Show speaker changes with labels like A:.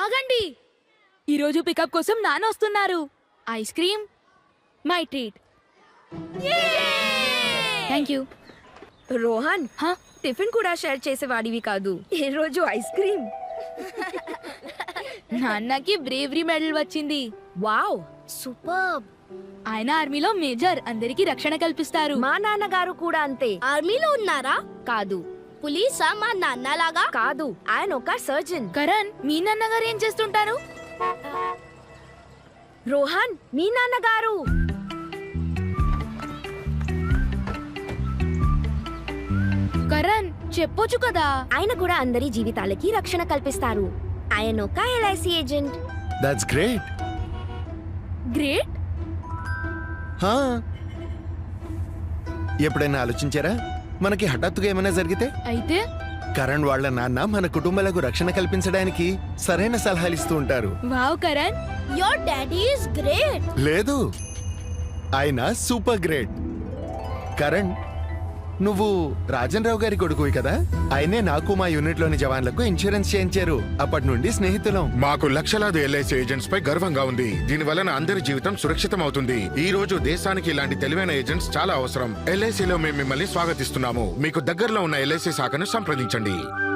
A: ఆగండి. ఈరోజు పికప్ కోసం నాన్న వస్తున్నారు. Ice cream my treat. Thank you.
B: Rohan, tiffin కూడా షేర్ చేసేవాడివి కాదు, ఈ రోజు ఐస్ క్రీమ్.
A: నాన్నకి బ్రేవరీ మెడల్ వచ్చింది.
B: Wow, super.
A: ఆయన ఆర్మీలో మేజర్, అందరికీ రక్షణ కల్పిస్తారు.
B: మా నాన్నగారు కూడా అంతే.
C: ఆర్మీలో ఉన్నారా?
B: కాదు.
C: పులీసా మా నాన్నలాగా?
B: కాదు, ఆయన ఒక సర్జన్.
A: కరణ్, మీ నాన్నగారు ఏం చేస్తుంటారు?
B: రోహన్, మీ నాన్నగారు.
A: కరణ్, చెప్పొచ్చు కదా.
B: ఆయన కూడా అందరి జీవితాలకి రక్షణ కల్పిస్తారు. ఆయన ఒక LIC agent.
D: That's great.
A: Great.
D: ఎప్పుడైనా ఆలోచించారా, మనకి హఠాత్తుగా ఏమైనా జరిగితే
A: అయితే
D: కరణ్ వాళ్ళ నాన్న మన కుటుంబాలకు రక్షణ కల్పించడానికి సరైన సలహాలు ఇస్తూ ఉంటారు.
A: Wow Karan,
C: your daddy is great.
D: లేదు, ఆయన సూపర్ గ్రేట్. కరణ్, నువ్వు రాజన్ రావు గారి కొడుకువి కదా. ఆయనే నాకు మా యూనిట్ లోని జవాన్లకు ఇన్సూరెన్స్ చేయించారు. అప్పటి నుండి స్నేహితులం.
E: మాకు లక్షలాది ఎల్ఐసి ఏజెంట్స్ పై గర్వంగా ఉంది. దీని వలన అందరి జీవితం సురక్షితం అవుతుంది. ఈ రోజు దేశానికి ఇలాంటి తెలివైన ఏజెంట్స్ చాలా అవసరం. ఎల్ఐసిలో మేము మిమ్మల్ని స్వాగతిస్తున్నాము. మీకు దగ్గరలో ఉన్న ఎల్ఐసి శాఖను సంప్రదించండి.